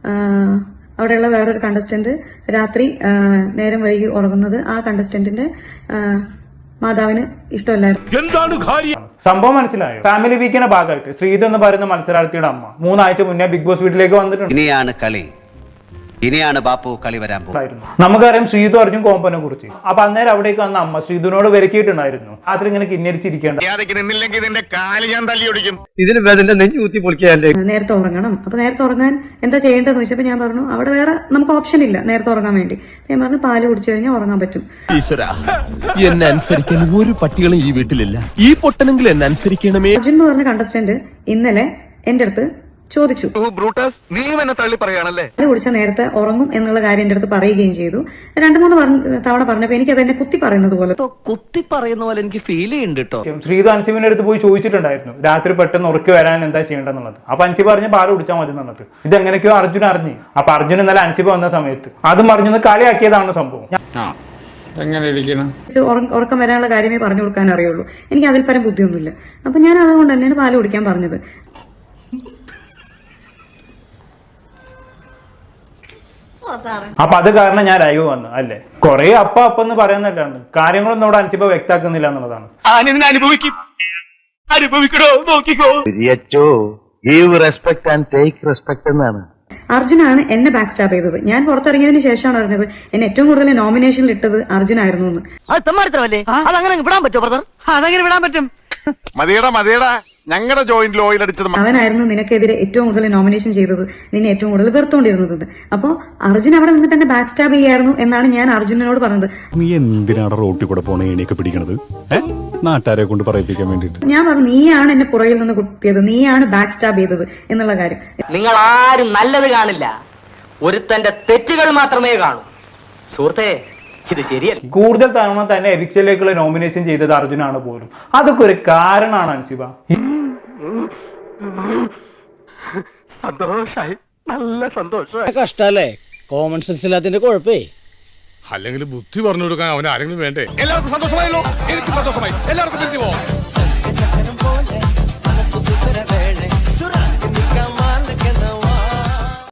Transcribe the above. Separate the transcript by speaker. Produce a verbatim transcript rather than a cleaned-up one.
Speaker 1: അവിടെയുള്ള വേറൊരു കണ്ടസ്റ്റന്റ് രാത്രി നേരം വൈകി ഉറങ്ങുന്നത് ആ കണ്ടസ്റ്റന്റിന്റെ മാതാവിന് ഇഷ്ടമല്ലായിരുന്നു.
Speaker 2: സംഭവം മനസ്സിലായോ? ഫാമിലി വീക്കിന്റെ ഭാഗമായിട്ട് ശ്രീധു എന്ന് പറയുന്ന മത്സരാർത്ഥിയുടെ അമ്മ മൂന്നാഴ്ച മുന്നേ ബിഗ് ബോസ് വീട്ടിലേക്ക് വന്നിട്ടുണ്ട്.
Speaker 3: ഇനിയാണ് കളി, ഇനിയാണ് ബാപ്പു കളി വരാൻ പോകുന്നത്.
Speaker 2: നമുക്കറിയാം ശ്രീധു അർജുൻ കോമ്പനെ കുറിച്ച്. അപ്പൊ അന്നേരം അവിടേക്ക് വന്ന അമ്മ ശ്രീധുവിനോട് വിലക്കിയിട്ടുണ്ടായിരുന്നു, രാത്രി ഇങ്ങനെ കിന്നരിച്ചിരിക്കേണ്ട,
Speaker 1: നേരത്തെ ഉറങ്ങണം. അപ്പൊ നേരത്തെ ഉറങ്ങാൻ എന്താ ചെയ്യേണ്ടതെന്ന് വെച്ചപ്പോ ഞാൻ പറഞ്ഞു അവിടെ വേറെ നമുക്ക് ഓപ്ഷൻ ഇല്ല നേരത്തെ ഉറങ്ങാൻ വേണ്ടി. ഞാൻ പറഞ്ഞു പാല് കുടിച്ചു കഴിഞ്ഞാൽ ഉറങ്ങാൻ പറ്റും.
Speaker 4: എന്നെ അനുസരിക്കാൻ ഒരു പട്ടികളും ഈ വീട്ടിലില്ല, ഈ പൊട്ടനെങ്കിലും എന്നെ അനുസരിക്കണമേ.
Speaker 1: അർജുൻ എന്ന് പറഞ്ഞ കണ്ടസ്റ്റന്റ് ഇന്നലെ എന്റെ അടുത്ത് ചോദിച്ചു,
Speaker 5: നീ എന്നെ തള്ളി പറയാണല്ലേ,
Speaker 1: കുടിച്ച നേരത്തെ ഉറങ്ങും എന്നുള്ള കാര്യം എന്റെ അടുത്ത് പറയുകയും ചെയ്തു. രണ്ടു മൂന്ന് തവണ പറഞ്ഞപ്പോ എനിക്ക് അതെന്നെ കുത്തി പറയുന്നത് പോലെ
Speaker 3: കുത്തി പറയുന്ന പോലെ എനിക്ക് ഫീൽ ചെയ്യുന്നുണ്ട് കേട്ടോ.
Speaker 2: ശ്രീധു അൻസിബിന്റെ അടുത്ത് പോയി ചോദിച്ചിട്ടുണ്ടായിരുന്നു രാത്രി പെട്ടെന്ന് ഉറക്കി വരാൻ എന്താ ചെയ്യേണ്ടതെന്നുള്ളത്. അപ്പൊ അൻസിബ് പറഞ്ഞ് പാല് കുടിച്ചാൽ മതി എന്നുള്ളത്. ഇത് എങ്ങനെയൊക്കെയോ അർജുൻ അറിഞ്ഞു. അപ്പൊ അർജുൻ ഇന്നലെ അൻസിബ് വന്ന സമയത്ത് അതും പറഞ്ഞൊന്ന് കളിയാക്കിയതാണ് സംഭവം.
Speaker 1: ഉറക്കം വരാനുള്ള കാര്യമേ പറഞ്ഞു കൊടുക്കാൻ അറിയുള്ളൂ, എനിക്ക് അതിൽ പരം ബുദ്ധിയൊന്നുമില്ല. അപ്പൊ ഞാൻ അതുകൊണ്ട് തന്നെയാണ് പാല് കുടിക്കാൻ പറഞ്ഞത്.
Speaker 2: അപ്പൊ അത് കാരണം ഞാൻ ലൈവ് വന്നു അല്ലേ. കൊറേ അപ്പ അപ്പ എന്ന് പറയുന്നല്ലാണ്, കാര്യങ്ങളൊന്നും അവിടെ അൻസിബ വ്യക്താക്കുന്നില്ല എന്നുള്ളതാണ്.
Speaker 1: അർജുനാണ് എന്നെ ബാക്ക് സ്റ്റാപ്പ് ചെയ്തത്. ഞാൻ പുറത്തിറങ്ങിയതിനു ശേഷമാണ് അറിഞ്ഞത് എന്നെ ഏറ്റവും കൂടുതൽ നോമിനേഷനിൽ ഇട്ടത് അർജുനായിരുന്നു എന്ന്.
Speaker 3: അതങ്ങനെ വിടാൻ പറ്റുമോ ബ്രദർ? അതങ്ങനെ വിടാൻ പറ്റും.
Speaker 5: മതിയടാ മതിയടാ, ഞങ്ങളുടെ ജോയിന്റിൽ ഓയിൽ അടിച്ചത്
Speaker 1: അവനായിരുന്നു നിനക്കെതിരെ ഏറ്റവും കൂടുതൽ നോമിനേഷൻ ചെയ്തത്, നിന്നെ ഏറ്റവും കൂടുതൽ വെറുത്തോണ്ടിരുന്നത്. അപ്പൊ അർജുൻ അവിടെ നിന്നിട്ട് എന്നെ ബാക്ക് സ്റ്റാബ് ചെയ്യായിരുന്നു എന്നാണ് ഞാൻ അർജുനോട് പറഞ്ഞത്.
Speaker 4: നീ എന്തിനാണ് റോട്ടിൽ കൂടെ പോണ എണീക്കെ പിടിക്കണത്? നാട്ടുകാരെ കൊണ്ട് പറയിപ്പിക്കാൻ വേണ്ടിട്ട്.
Speaker 1: ഞാൻ പറഞ്ഞു നീയാണ് എന്നെ പുറകിൽ നിന്ന് കുത്തിയത്, നീയാണ് ബാക്ക് സ്റ്റാബ് ചെയ്തത് എന്നുള്ള കാര്യം.
Speaker 6: നിങ്ങൾ ആരും നല്ലത് കാണില്ല, ഒരുത്തന്റെ തെറ്റുകൾ മാത്രമേ കാണൂ. സുഹൃത്തേ, ഇത് ശരിയല്ല.
Speaker 2: കൂടുതൽ തവണ തന്നെ എവിക്സിലേക്കുള്ള നോമിനേഷൻ ചെയ്തത് അർജുനാണ് പോലും. അതൊക്കെ ഒരു കാരണമാണ് അൻസിബ.
Speaker 5: സന്തോഷായി, നല്ല സന്തോഷമായി.
Speaker 7: കഷ്ടല്ലേ കോമൺ സെൻസ് ഇല്ലാത്തതിന്റെ കുഴപ്പേ.
Speaker 4: അല്ലെങ്കിൽ ബുദ്ധി പറഞ്ഞു കൊടുക്കാൻ അവൻ ആരെങ്കിലും വേണ്ടേ? എല്ലാവർക്കും സന്തോഷമായല്ലോ, എനിക്ക് സന്തോഷമായി. എല്ലാവർക്കും